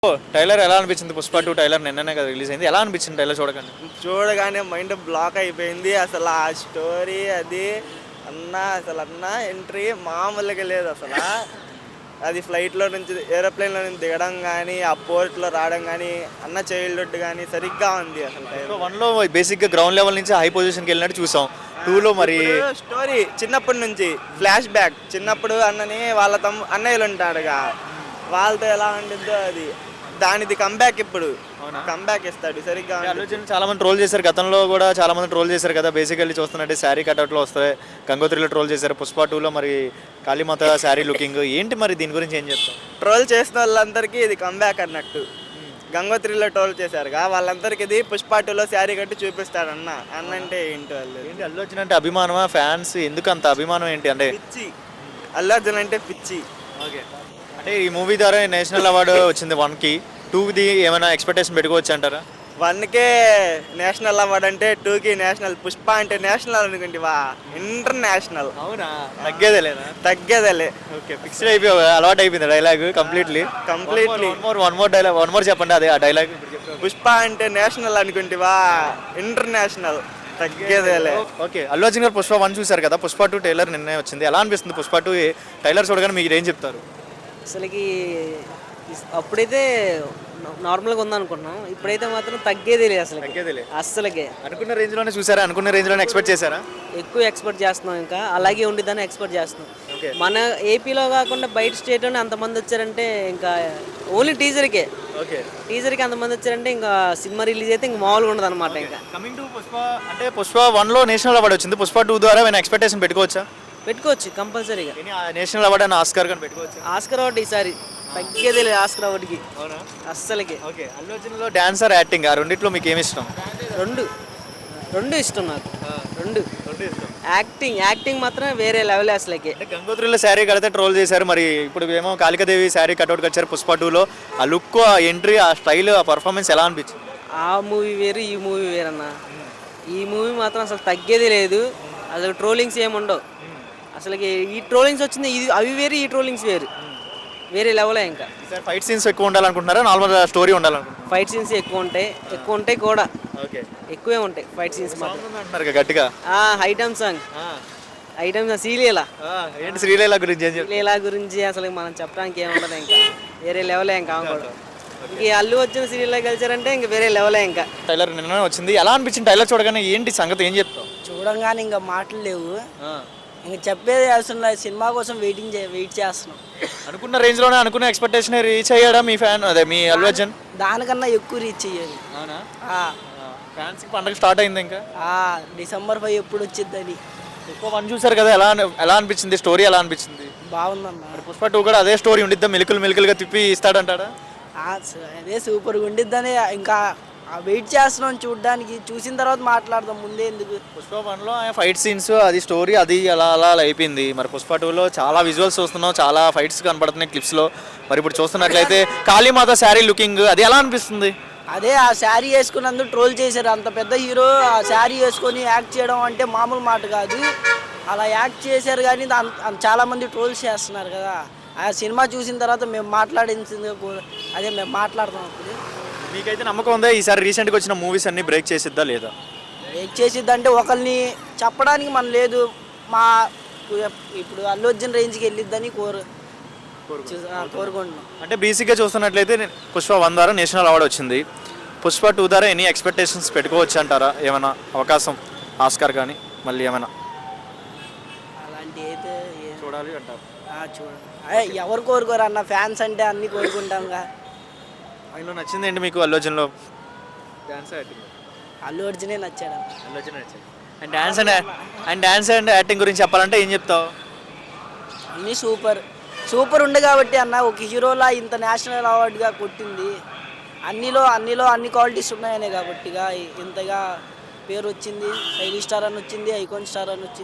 Tailor ఎలా అనిపించింది? Pushpa 2 tailor నిన్ననే కదా రిలీజ్ అయింది. ఎలా అనిపించింది టైలర్ చూడగానే? చూడగానే మైండ్ బ్లాక్ అయిపోయింది. అసలు ఆ స్టోరీ అది అన్న ఎంట్రీ మామూలుగా లేదు అసలు. అది ఫ్లైట్లో నుంచి ఏరోప్లేన్లో నుంచి దిగడం కానీ, ఆ పోర్ట్లో రావడం కానీ, అన్న చైల్డ్హుడ్ కానీ సరిగ్గా ఉంది అసలు. సో 1లో బేసిక్గా గ్రౌండ్ లెవెల్ నుంచి హై పొజిషన్కి వెళ్ళినట్టు చూసాం. 2లో మరి స్టోరీ చిన్నప్పటి నుంచి ఫ్లాష్ బ్యాక్. చిన్నప్పుడు అన్నని వాళ్ళ అన్నయ్యలు ఉంటాడుగా, వాళ్ళతో ఎలా ఉండిద్దో అది దానిది కంబ్యాక్. ఇప్పుడు కంబ్యాక్ ఇస్తాడు సరిగ్గా. అల్లు అర్జున్ చాలా మంది ట్రోల్ చేశారు, గతంలో కూడా చాలా మంది ట్రోల్ చేశారు కదా. బేసికల్లీ చూస్తున్నట్టే శారీ కట్అవుట్లో వస్తాయి. గంగోత్రిలో ట్రోల్ చేశారు. పుష్ప 2లో మరి కాళీమాత శారీ లుకింగ్ ఏంటి, మరి దీని గురించి ఏం చెప్తాం? ట్రోల్ చేసిన వాళ్ళందరికీ ఇది కంబ్యాక్ అన్నట్టు. గంగోత్రిలో ట్రోల్ చేశారుగా, వాళ్ళందరికీ ఇది పుష్ప 2లో శారీ కట్టి చూపిస్తాడు అన్న. అంటే ఏంటి వాళ్ళు? ఏంటి అల్లు అర్జున్ అంటే అభిమానమా? ఫ్యాన్స్ ఎందుకు అంత అభిమానం ఏంటి అంటే? పిచ్చి. అల్లు అర్జున్ అంటే పిచ్చి. ఓకే, అంటే ఈ మూవీ ద్వారా నేషనల్ అవార్డు వచ్చింది 1కి. 2ది ఏమైనా ఎక్స్పెక్టేషన్ పెట్టుకోవచ్చు అంటారా? 1కే నేషనల్ అవార్డు అంటే 2కి నేషనల్. పుష్ప అంటే నేషనల్ అనుకుంటివా? ఇంటర్నేషనల్. అవునా? తగ్గేదే లేదా? తగ్గేదేలే. ఓకే, ఫిక్స్డ్ అయిపోయి అలవాటు అయిపోయింది డైలాగ్ కంప్లీట్లీ. వన్ మోర్ చెప్పండి అదే ఆ డైలాగ్. పుష్ప అంటే నేషనల్ అనుకుంటివా? ఇంటర్నేషనల్. తగ్గేదేలే. ఓకే, అల్లు అర్జున్ గారు పుష్ప 1 చూశారు కదా, పుష్ప 2 టైలర్ నిన్నే వచ్చింది. ఎలా అనిపిస్తుంది పుష్ప 2 టైలర్ చూడగానే మీరు ఏం చెప్తారు? అసలుకి అప్పుడైతే నార్మల్గా ఉందనుకున్నాం, ఇప్పుడైతే మాత్రం తగ్గేదే లేదు అసలు. తగ్గేదేలే అస్సలకే అనుకున్న రేంజ్లోనే చూసారా? అనుకున్న రేంజ్లోనే ఎక్స్పెక్ట్ చేశారా? ఎక్కువ ఎక్స్పెక్ట్ చేస్తున్నాం, ఇంకా అలాగే ఉండిద్దని ఎక్స్పెక్ట్ చేస్తున్నాం. ఓకే, మన ఏపీలో కాకుండా బయట స్టేట్లోనే అంతమంది వచ్చారంటే ఇంకా ఓన్లీ టీజర్కి అంతమంది వచ్చారంటే ఇంకా సినిమా రిలీజ్ అయితే ఇంకా మామూలుగా ఉండదు అనమాట. ఇంకా కమింగ్ టు పుష్ప, అంటే పుష్ప 1లో నేషనల్ అవార్డు వచ్చింది. పుష్ప 2 ద్వారా ఏమైనా ఎక్స్పెక్టేషన్ పెట్టుకోవచ్చా? పెట్టుకోవచ్చు కంపల్సరీగా. నేషనల్ అవార్డు అని ఆస్కార్ కానీ పెట్టుకోవచ్చు. ఆస్కర్ అవార్డు ఈసారి తగ్గేదే లేదు ఆస్కర్ అవార్డుకి. అవునా? అస్సలకి. ఓకే, అల్లు అర్జున్లో డాన్సర్, యాక్టింగ్ ఆ రెండిట్లో మీకు ఏమి ఇష్టం? రెండు ఇష్టం నాకు. రెండు ఇష్టం. యాక్టింగ్ మాత్రం వేరే లెవెల్ అసలుకి. అంటే గంగోత్రిలో శారీ కడితే ట్రోల్ చేశారు, మరి ఇప్పుడు ఏమో కాళికాదేవి శారీ కట్అవుట్ వచ్చారు పుష్ప 2లో. ఆ లుక్, ఆ ఎంట్రీ, ఆ స్టైల్, ఆ పర్ఫార్మెన్స్ ఎలా అనిపించింది? ఆ మూవీ వేరు, ఈ మూవీ వేరన్న. ఈ మూవీ మాత్రం అసలు తగ్గేది లేదు. అసలు ట్రోలింగ్స్ ఏముండవు అసలుకి. ఈ ట్రోలింగ్స్ వచ్చింది, ఇది అవి వేరు, ఈ ట్రోలింగ్స్ వేరు, వేరే లెవెలే. ఇంకా ఫైట్ సీన్స్ ఎక్కువ ఉండాలనుకుంటున్నారా, నార్మల్ స్టోరీ ఉండాలనుకుంటున్నారా? ఫైట్ సీన్స్ ఎక్కువ ఉంటాయి కూడా. ఓకే, ఎక్కువే ఉంటాయి ఫైట్ సీన్స్ మాత్రం. అంటున్నారు గట్టిగా. Item song Sreeleela. ఏంటి శ్రీలీల గురించి ఏం చెప్తారు? శ్రీలీల గురించి అసలు మనం చెప్పడానికి ఏముండదు, ఇంకా వేరే లెవెలే. ఇంకా కూడా ఇంక అల్లు వచ్చిన శ్రీలీల కలిసారంటే ఇంక వేరే లెవెలే. ఇంకా టైలర్ నిన్న వచ్చింది, ఎలా అనిపించింది టైలర్ చూడగానే? ఏంటి సంగతి, ఏం చెప్తావు? చూడంగానే ఇంకా మాటలు లేవు, ఇంకా చెప్పేది అసలు. సినిమా కోసం వెయిట్ చేస్తున్నాం. అనుకున్న రేంజ్లోనే, అనుకున్న ఎక్స్పెక్టేషన్ రీచ్ అయ్యాడా మీ ఫ్యాన్, అదే మీ అల్లు అర్జున్? దానికన్నా ఎక్కువ రీచ్ అయ్యారు. అవునా? ఫ్యాన్స్ పండుగ స్టార్ట్ అయింది ఇంకా. December 5 ఎప్పుడు వచ్చిద్దని. పుష్ప 1 చూసారు కదా, ఎలా అనిపించింది? స్టోరీ ఎలా అనిపించింది? బాగుందన్న. పుష్ప 2 కూడా అదే స్టోరీ ఉండిద్దా? మిలుకలుగా తిప్పి ఇస్తాడంటాడా? అదే సూపర్గా ఉండిద్దని ఇంకా వెయిట్ చేస్తున్నాం చూడడానికి. చూసిన తర్వాత మాట్లాడదాం, ముందే ఎందుకు. పుష్ప 1లో ఫైట్ సీన్స్, అది స్టోరీ, అది అలా అయిపోయింది. మరి పుష్ప 2లో చాలా విజువల్స్ చూస్తున్నాం, చాలా ఫైట్స్ కనపడుతున్నాయి క్లిప్స్లో. మరి ఇప్పుడు చూస్తున్నట్లయితే కాళీమాత శారీ లుకింగ్, అది ఎలా అనిపిస్తుంది? అదే ఆ శారీ వేసుకున్నందుకు ట్రోల్ చేశారు. అంత పెద్ద హీరో ఆ శారీ వేసుకొని యాక్ట్ చేయడం అంటే మామూలు మాట కాదు. అలా యాక్ట్ చేశారు కానీ చాలామంది ట్రోల్స్ చేస్తున్నారు కదా. ఆ సినిమా చూసిన తర్వాత మేము మాట్లాడించింది అదే మేము మాట్లాడతాం. అప్పుడు మీకైతే నమ్మకం ఉందా ఈసారి రీసెంట్గా వచ్చిన మూవీస్ అన్ని బ్రేక్ చేసిద్దా లేదా? బ్రేక్ చేసిద్దంటే ఒకరిని చెప్పడానికి మనం లేదు. మా ఇప్పుడు అల్లు అర్జున్ రేంజ్కి వెళ్ళిద్దని కోరుకుంటున్నాం. అంటే బేసిక్గా చూస్తున్నట్లయితే పుష్ప 1 ద్వారా నేషనల్ అవార్డు వచ్చింది. పుష్ప 2 ద్వారా ఎనీ ఎక్స్పెక్టేషన్స్ పెట్టుకోవచ్చు అంటారా? ఏమైనా అవకాశం ఆస్కార్ కానీ మళ్ళీ ఏమైనా అలాంటి అయితే చూడాలి అంటారు? చూడండి, ఎవరు కోరుకోరు అన్న, ఫ్యాన్స్ అంటే అన్నీ కోరుకుంటాంగా. ఆయనలో నచ్చింది ఏంటి మీకు అల్లు అర్జున్లో? Dance, acting. అల్లు అర్జునే నచ్చాడు. అల్లు అర్జున్ నచ్చింది. అండ్ డాన్స్ అండ్ యాక్టింగ్ గురించి చెప్పాలంటే ఏం చెప్తావు? అన్నీ సూపర్ ఉండే కాబట్టి అన్న, ఒక హీరోలా ఇంత నేషనల్ అవార్డుగా కొట్టింది. అన్నిలో అన్ని క్వాలిటీస్ ఉన్నాయనే కాబట్టిగా ఇంతగా పేరు వచ్చింది. 5 స్టార్ అని వచ్చింది, ఐకాన్ స్టార్ అని వచ్చింది.